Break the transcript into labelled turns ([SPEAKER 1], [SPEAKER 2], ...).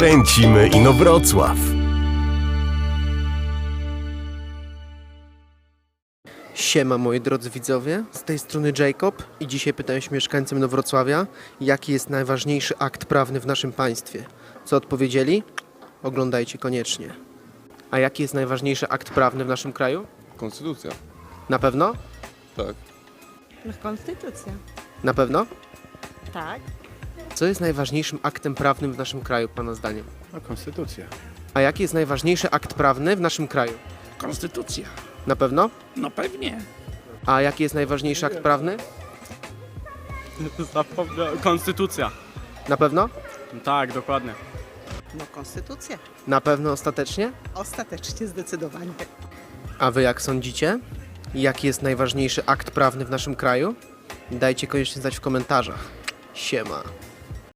[SPEAKER 1] Kręcimy Inowrocław.
[SPEAKER 2] Siema moi drodzy widzowie, z tej strony Jacob i dzisiaj pytałem się mieszkańcom Inowrocławia, jaki jest najważniejszy akt prawny w naszym państwie. Co odpowiedzieli? Oglądajcie koniecznie. A jaki jest najważniejszy akt prawny w naszym kraju?
[SPEAKER 3] Konstytucja.
[SPEAKER 2] Na pewno?
[SPEAKER 3] Tak.
[SPEAKER 4] No, konstytucja.
[SPEAKER 2] Na pewno?
[SPEAKER 4] Tak.
[SPEAKER 2] Co jest najważniejszym aktem prawnym w naszym kraju, pana zdaniem?
[SPEAKER 5] No, konstytucja.
[SPEAKER 2] A jaki jest najważniejszy akt prawny w naszym kraju?
[SPEAKER 5] Konstytucja.
[SPEAKER 2] Na pewno?
[SPEAKER 5] No pewnie.
[SPEAKER 2] A jaki jest najważniejszy akt prawny?
[SPEAKER 6] Konstytucja.
[SPEAKER 2] Na pewno?
[SPEAKER 6] Tak, dokładnie.
[SPEAKER 7] No konstytucja.
[SPEAKER 2] Na pewno ostatecznie?
[SPEAKER 7] Ostatecznie zdecydowanie.
[SPEAKER 2] A wy jak sądzicie? Jaki jest najważniejszy akt prawny w naszym kraju? Dajcie koniecznie znać w komentarzach. Siema.